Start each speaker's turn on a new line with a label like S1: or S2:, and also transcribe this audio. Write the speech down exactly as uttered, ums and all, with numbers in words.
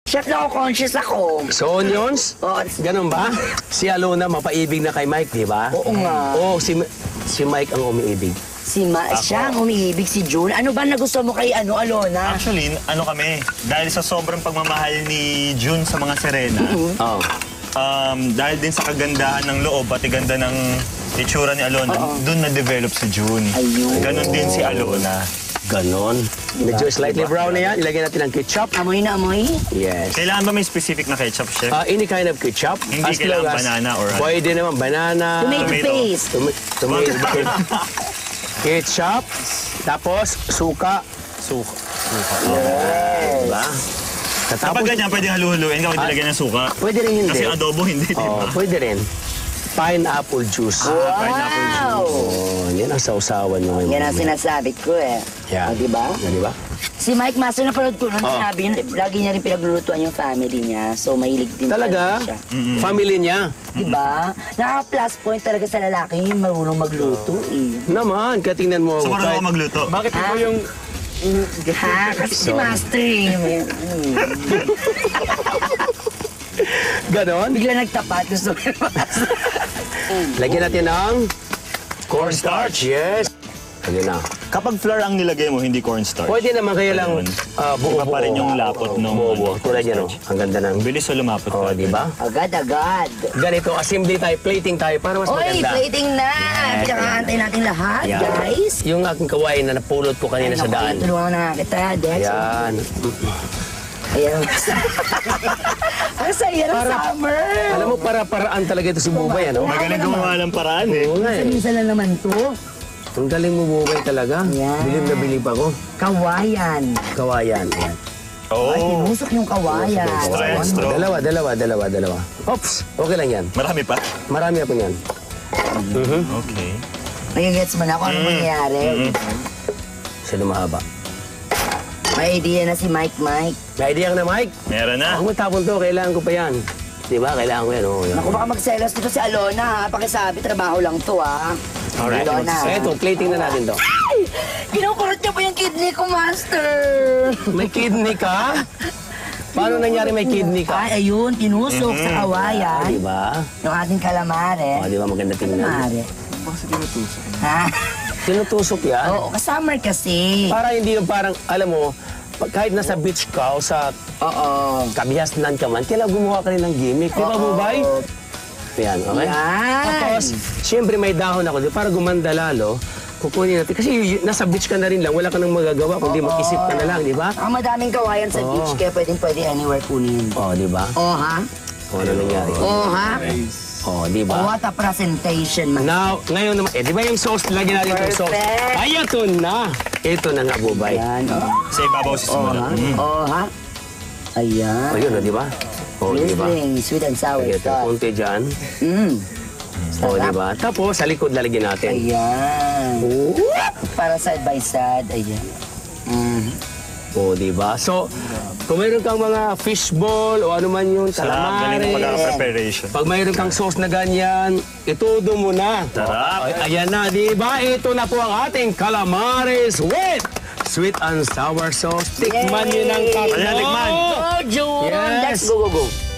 S1: Chef na ako, conscious ako.
S2: So, onions?
S1: Oo.
S2: Ganun ba? Si Alona, mapaibig na kay Mike, di ba?
S1: Oo nga.
S2: Oo, si, si Mike ang umiibig.
S1: Si Ma, siya ang umiibig, si June. Ano ba nagusto mo kay ano, Alona?
S3: Actually, ano kami, dahil sa sobrang pagmamahal ni June sa mga Serena,
S2: Oo.
S3: um, dahil din sa kagandahan ng loob, pati ganda ng itsura ni Alona, doon na-develop si June.
S1: Ayun.
S3: Ganon din si Alona.
S2: Ganon. Medyo slightly brown na yan. Ilagay natin ang ketchup.
S1: Amoy na amoy?
S2: Yes.
S3: Kailangan ba may specific na ketchup, chef?
S2: Uh, any kind of ketchup.
S3: Hindi
S2: As
S3: kailangan
S2: long as-
S3: banana or ano?
S2: Pwede naman banana.
S1: Tomato
S3: Tomato.
S1: paste.
S2: Toma- tomato. Ketchup. Tapos, suka.
S3: Suka.
S2: Diba?
S3: Kapag
S2: Tapos,
S3: ganyan, pwede haluhuluin kapag nilagyan ng suka.
S2: pwede rin hindi.
S3: Kasi adobo hindi, di
S2: Oh,
S3: ba?
S2: pwede rin. Pineapple juice.
S3: Pineapple
S1: Wow!
S2: Oh, yan ang sausawan nyo ngayon.
S1: Yan ang sinasabi ko eh.
S2: Yan.
S1: O, diba?
S2: Yan, diba?
S1: Si Mike Master, napanood ko nun,
S2: Oh.
S1: sinabi niya, lagi niya rin pinaglulutuan yung family niya. So, mahilig din
S2: Talaga?
S1: siya.
S2: Family niya.
S1: Diba? Nakaka-plus point talaga sa lalaki yung marunong magluto eh.
S2: Naman, kaya tingnan mo.
S3: So, marunong
S2: kahit-
S3: ako magluto.
S2: Bakit
S1: Ha?
S2: ito yung...
S1: Ha? Kasi si Master eh. may- hmm.
S2: Ganon?
S1: Bigla nagtapat. Gusto ko yung Master.
S2: Lagyan natin ng cornstarch. Yes. Lagyan na.
S3: Kapag flour ang nilagay mo, hindi cornstarch.
S2: Pwede naman kaya lang
S3: Ayun.
S2: uh, buo-buo.
S3: Iba pa rin yung lapot ng
S2: buo-buo.
S3: ano,
S2: Tulad yan, oh. Ang ganda ng...
S3: Ang bilis o lumapot
S2: Oh,
S3: ka.
S2: di ba?
S1: Agad-agad.
S2: Ganito, assembly tayo, plating tayo para mas
S1: Oy,
S2: maganda.
S1: plating na! Pinakaantay natin lahat,
S2: Yan.
S1: guys.
S2: Yung aking kawain na napulot ko kanina sa
S1: Naku,
S2: daan.
S1: tulungan na nga kita, Dex.
S2: Yan.
S1: Ayan. Ang saya ng
S2: Para-
S1: summer.
S2: Alam mo, para-paraan talaga ito si Bubay, ano?
S3: Magaling gumawa ng paraan eh.
S2: Oo nga eh.
S1: Minsan lang naman to.
S2: Ang galing mo, Bubay, talaga.
S1: Yan.
S2: Bilib na bilib ako.
S1: Kawayan.
S2: Kawayan. Yan.
S3: Oo.
S1: Ay, tinusok yung kawayan.
S3: Straw and straw.
S2: Dalawa, dalawa, dalawa, dalawa. Oops, okay lang yan.
S3: Marami pa?
S2: Marami ako yan. Mhm.
S3: Okay.
S1: Nagigets mo na kung ano mangyayari.
S2: Sino mahaba?
S1: May idea na si Mike Mike.
S2: May idea ka na, Mike?
S3: Meron na.
S2: Ako mo tapon to, kailangan ko pa yan. Di ba? Kailangan ko yan. Oh, yan.
S1: Naku, baka magselos dito si Alona ha. Pakisabi, trabaho lang to ha.
S2: Alright.
S1: Alona.
S2: So, ito, plating na natin to.
S1: Ay! Kinukurot niya po yung kidney ko, Master.
S2: May kidney ka? Paano nangyari may kidney ka?
S1: Ay, ayun, tinusok sa kawayan.
S2: Di ba?
S1: Yung ating kalamare.
S2: Oh, di ba maganda tingnan?
S1: Kalamare. Ha?
S2: Tinutusok yan?
S1: Oo, kasummer kasi.
S2: Para hindi yung parang, alam mo, pag- kahit nasa beach ka o sa
S1: Oo.
S2: kabihasnan ka man, kailangan gumawa ka rin ng gimmick. Di ba,
S1: Oo.
S2: Bubay? Yan, okay?
S1: Yan.
S2: Tapos, siyempre may dahon ako. Di, para gumanda lalo, kukunin natin. Kasi y- nasa beach ka na rin lang, wala ka nang magagawa, kundi mag-isip ka na lang, di ba?
S1: Ang madaming kawayan sa
S2: Oo.
S1: beach, kaya pwedeng pwede anywhere kunin.
S2: Oh, di ba?
S1: Oo, ha?
S2: O, ano nangyari?
S1: Oo, ha?
S2: Oh, di ba?
S1: What a presentation, man.
S2: Now, ngayon naman, eh, di ba yung sauce, lagyan natin yung sauce.
S1: Perfect.
S2: Ay, ito na. Ito na nga, Bubay.
S1: Yan. Oo,
S3: Sa ibabaw si
S1: ha?
S3: Sumulat. Mm.
S1: Oo, ha? Ayan.
S2: O, yun, oh, di ba? O, di ba?
S1: Sizzling, sweet and sour
S2: Lagyan natin
S1: sauce.
S2: konti dyan.
S1: Mm.
S2: O, di ba? Tapos, sa likod lalagyan natin.
S1: Ayan.
S2: Oh.
S1: Para side by side. Ayan. Mm.
S2: O, di ba? So, kung mayroon kang mga fishball o ano man yun,
S3: Sarap. Galing ng
S2: calamari.
S3: pagkaka-preparation.
S2: Pag mayroon kang sauce na ganyan, itudo mo na.
S3: Sarap.
S2: Ay, ayan na, di ba? Ito na po ang ating calamares with sweet and sour sauce. Tikman nyo ng tatlo.
S3: Ayan, tikman.
S1: Oh, June!
S2: Yes.
S1: Let's go, go, go.